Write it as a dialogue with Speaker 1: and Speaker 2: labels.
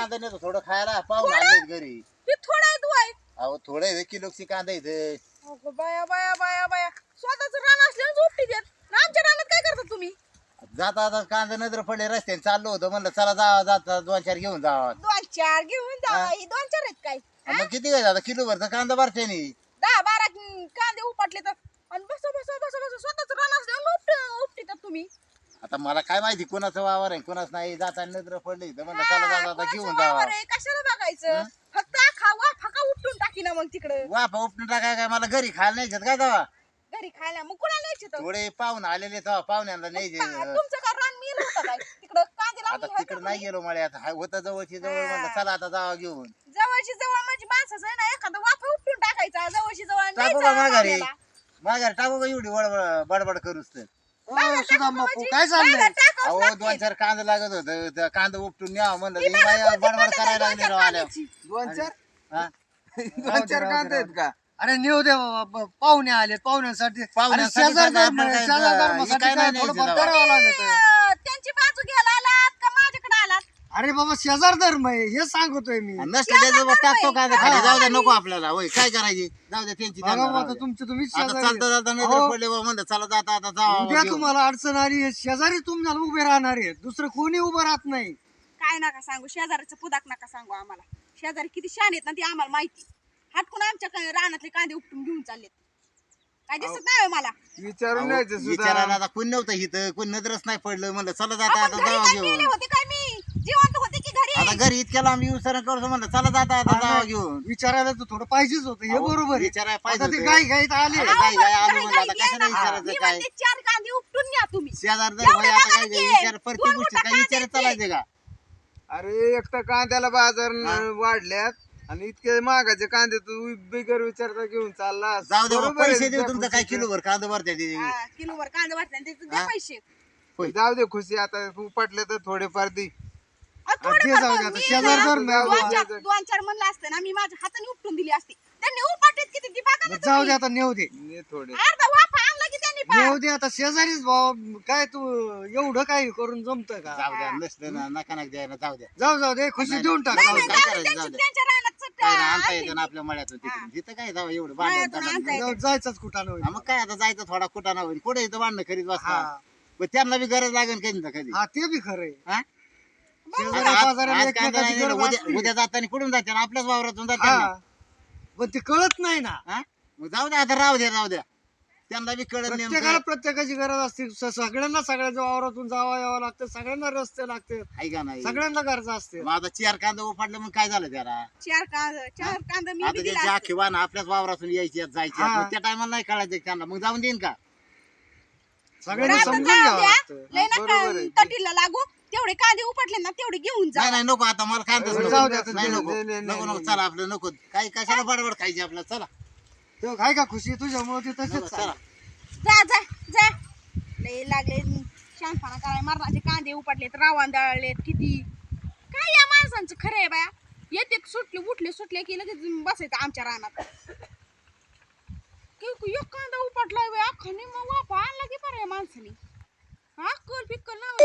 Speaker 1: कांदा नेतो थोडं खायला पाहून आणले घरी.
Speaker 2: हे थोडं आहे तू आहे.
Speaker 1: अहो थोडं आहे किलोची कांदा इथे.
Speaker 2: अगं बाया बाया बाया बाया स्वतःच रान असल्यावर झोपटी देत ना आमच्या रानात काय करता तुम्ही?
Speaker 1: जाता आता कांदा नजर पडले रस्त्याने चाललो होतो म्हणलं चला जावा जाता 2-4 घेऊन जावा.
Speaker 2: 2-4 घेऊन जा. ही 2-4 आहेत काय?
Speaker 1: मग किती काय आता किलो भरचा कांदा भरते नी
Speaker 2: 10-12 कांदे उपटले तर आणि बस बस बस बस स्वतःच रान असल्यावर उपटीतात तुम्ही.
Speaker 1: आता मला काय माहिती कोणाचं वावर आहे कोणाच नाही जाताना नजर पडली तर म्हणलं चला
Speaker 2: हा,
Speaker 1: जाता
Speaker 2: कोणाचं
Speaker 1: घेऊन जावा.
Speaker 2: वावर आहे, कशाला बघायचं? फक्त खावा फका उपटून टाकी ना मग तिकडं
Speaker 1: वाफा उपटून टाकाय काय मला घरी खायला न्यायच्यात काय जावा.
Speaker 2: घरी खायला. मग कुणाला न्यायचे तर?
Speaker 1: थोडे पाहुण आलेले तेव्हा पाहुण्यांना न्यायचे.
Speaker 2: तुमचं का रान मिळलं होतं काय तिकडं कांदे
Speaker 1: आता
Speaker 2: लावले
Speaker 1: तिकडे नाही गेलो मला आता होतं जवळची जवळ म्हणलं चला आता जावा घेऊन.
Speaker 2: जवळची जवळ म्हणजे माणसाचं आहे ना एखादं वाफा उपटून टाकायचा जवळची जवळ
Speaker 1: टाकू का माघारी माघारी टाकू का एवढी बडबड करूच तर.
Speaker 3: सुदाम बापू काय चाललंय?
Speaker 1: अहो 2-4 कांदा लागत होतं त्या कांदा उपटून न्यावं म्हणलं ही बाई बडबड करायला लागली राव आल्या.
Speaker 3: 2-4
Speaker 1: हा?
Speaker 3: 2-4 कांदे आहेत का? अरे नेऊ दे बाबा पाहुणे आले पाहुण्यांसाठी
Speaker 1: पाहुण्यांसाठी
Speaker 3: आणि शेजार
Speaker 1: कांदा
Speaker 3: धर्म आहे,
Speaker 1: आपल्याला
Speaker 3: शेजार
Speaker 1: काय
Speaker 3: धर्मासाठी
Speaker 1: काय
Speaker 3: काय
Speaker 1: नाही
Speaker 3: थोडंफार
Speaker 1: न्यायचं
Speaker 3: करावं लागत.
Speaker 2: त्यांची बाजू घ्यायला आलात का माझ्याकडे आलात?
Speaker 3: अरे बाबा शेजार धर्म आहे हे सांगतोय मी.
Speaker 1: नसलं त्याचं टाकतो कांदा खाली जाऊ द्या नको आपल्याला होय काय करायची जाऊ द्या त्यांची
Speaker 3: बघा
Speaker 1: त्यांना
Speaker 3: बाबा,
Speaker 1: राहू
Speaker 3: आता
Speaker 1: द्या.
Speaker 3: तुमचे तुम्ही
Speaker 1: आता
Speaker 3: शेजारी
Speaker 1: चालता चालता
Speaker 3: आहे.
Speaker 1: नजर
Speaker 3: अहो,
Speaker 1: पडले बा म्हणलं चला जाता आता जावा
Speaker 3: उद्या
Speaker 1: घेऊन.
Speaker 3: तुम्हाला अडचण आली हे शेजारी तुम्हाला उभे राहणार आहे दुसरं कोणी उभं राहत नाही.
Speaker 2: काय नका सांगू शेजाऱ्याचं पुदाक नका सांगू आम्हाला. शेजारी किती शान आहेत ना ती आम्हाला माहिती. हटकून आमच्या रानातले कांदे उपटून घेऊन चाललेत. काय दिसत नाही होय मला.
Speaker 3: विचारून
Speaker 1: अहो, विचारायला आता कोण नव्हतं इथं कोण नजरच नाही पडलं म्हणलं चला जाता
Speaker 2: आपण
Speaker 1: आता
Speaker 2: घरी
Speaker 1: जावा
Speaker 2: काय
Speaker 1: घेऊन.
Speaker 2: मेले होते काय मी जिवंत होते की घरी?
Speaker 1: आता घरी इतक्या लांब येऊन करतो म्हणलं चला जाता आता जावा घेऊन.
Speaker 3: विचारायला तर थोडं पाहिजेच होतं हे
Speaker 1: अहो,
Speaker 3: बरोबर आहे.
Speaker 1: विचारायला पाहिजे
Speaker 3: आता ते
Speaker 1: होतं.
Speaker 3: गाई गाईत आले
Speaker 1: आता काय काय आलो
Speaker 2: काय
Speaker 1: म्हणलं आता
Speaker 2: काय
Speaker 1: कशाला
Speaker 2: घ्यायला?
Speaker 1: विचारायचं
Speaker 2: मी
Speaker 1: काय
Speaker 2: म्हणते 4 कांदे उपटून न्या तुम्ही.
Speaker 1: शेजार जर
Speaker 2: एवढं
Speaker 1: भाई आता
Speaker 2: बघा
Speaker 1: काय
Speaker 2: की,
Speaker 1: विचार प्रत्येक
Speaker 2: दोन
Speaker 1: गोष्टी
Speaker 2: मोठा
Speaker 1: काय विचारत
Speaker 2: कांद्याचे.
Speaker 1: चालायचे का.
Speaker 4: अरे एक तर कांद्याला बाजार
Speaker 1: हा?
Speaker 4: वाढल्यात आणि इतके महागाचे कांदे तू बिगर विचारता घेऊन चालला.
Speaker 1: जाऊ दे बाबा,
Speaker 4: बरोबर आहे
Speaker 1: पैसे देऊ
Speaker 4: तुझ्या
Speaker 1: तुमचं काय
Speaker 4: खुशीचं.
Speaker 1: किलोभर कांदा भरते ते.
Speaker 2: हा, किलोभर कांदे वाटले आणि त्याचे द्या
Speaker 1: हा?
Speaker 2: पैसे.
Speaker 1: होय.
Speaker 4: जाऊ दे खुशी आता तू पटले तर थोडेफार दे.
Speaker 2: थोडे
Speaker 3: ते जाऊ दे आता शेजार धर्म आहे बाबा.
Speaker 2: 2-4 म्हणलं असतं ना मी माझ्या हाताने उपटून दिली असती. त्यांनी उपटत किती ती बघा ना
Speaker 3: जाऊ
Speaker 2: तुम्ही.
Speaker 3: दे आता नेऊ दे
Speaker 4: ने थोडे
Speaker 2: अर्धा वाफा आणला की त्यांनी पा-
Speaker 3: नेऊ दे आता शेजारीच भाऊ काय तू एवढं काय करून जमत का?
Speaker 1: जाऊ द्या नसलं ना नका नका द्यायला जाऊ द्या.
Speaker 3: जाऊ दे खुशी
Speaker 1: नाही,
Speaker 3: देऊन टाक.
Speaker 2: नाही,
Speaker 1: जाऊ
Speaker 2: नाही,
Speaker 1: दे,
Speaker 2: जाऊ
Speaker 1: काय
Speaker 2: दे,
Speaker 1: करायचं, जाऊ दे.
Speaker 2: त्यांच्या रानात चट-
Speaker 1: काय ना, आणता
Speaker 2: आणली.
Speaker 1: येतं ना आपल्या मळ्यातून तिकडून तिथं काय जावं एवढं
Speaker 2: मळ्यातून
Speaker 1: भांडण
Speaker 2: आणता येतं.
Speaker 3: जाऊ, जायचंच कुठं
Speaker 1: हा, मग काय आता जायचं थोडा कुटाणा होईल कुठे इथं भांडणं करीत बसता.
Speaker 3: हा
Speaker 1: पण त्यांना बी गरज लागेल कधी ना कधी.
Speaker 3: हा ते बी खरंय.
Speaker 1: हा?
Speaker 3: शेजाऱ्या
Speaker 1: आज-
Speaker 3: पाजाऱ्याला
Speaker 1: आज कांदा
Speaker 3: एकमेकाची
Speaker 1: नाही,
Speaker 3: गरज
Speaker 1: उद्या
Speaker 3: असते.
Speaker 1: उद्या जाताना कुठून जाते ना आपल्याच वावरातून जाते
Speaker 3: हा
Speaker 1: ना.
Speaker 3: पण ते कळत नाही ना.
Speaker 1: हा? मग जाऊ द्या आता राहू द्या त्यांना बी कळत
Speaker 3: प्रत्येकाला
Speaker 1: नेमकं
Speaker 3: प्रत्येकाची गरज असते सगळ्यांना सगळ्याच्या वावरातून जावं यावं लागतं सगळ्यांना रस्ते लागते
Speaker 1: आहे का नाही.
Speaker 3: सगळ्यांना गरज असते.
Speaker 1: मग आता 4 कांदा उफाडलं मग काय झालं त्याला.
Speaker 2: 4 कांदे मी
Speaker 1: आता
Speaker 2: बी दिला
Speaker 1: त्याची
Speaker 2: असते.
Speaker 1: आखी वाहन आपल्याच वावरातून यायची जायची
Speaker 3: हा.
Speaker 1: मग त्या टायमाला नाही कळायचं त्यांना मग जाऊन देईन का.
Speaker 3: सगळ्यांना
Speaker 2: रानात
Speaker 3: समजून
Speaker 2: जाऊ
Speaker 3: घ्यावं
Speaker 2: द्या.
Speaker 3: लागतं.
Speaker 2: लय नका
Speaker 4: बरोबर आहे.
Speaker 2: तटीला लागू तेवढे कांदे उपटले ना तेवढे घेऊन जा.
Speaker 1: नाही नाही नको आता मला खायचंच
Speaker 3: जाऊ
Speaker 1: नको.
Speaker 3: द्या आता,
Speaker 1: नाही नको
Speaker 4: नाही, नाही,
Speaker 1: नको नको
Speaker 4: नाही.
Speaker 1: चला आपलं नको काही कशाला बडबड खायची आपल्याला चला
Speaker 3: तो काय का खुशी तुझ्यामुळे ते
Speaker 1: नको,
Speaker 3: तसेच
Speaker 1: चला
Speaker 2: जा जा जा लय लागले शानपणा कराय मरणाचे कांदे उपटलेत रावण दळलेत किती. काय या माणसांचं खरं आहे बाया. येते सुटले की लगेच बसायचं आमच्या रानात. एक कांदा उपटलाय बाया अख्खा निम्मा वाफा आणला की बरं या माणसाने. हा कल पिक्कल ना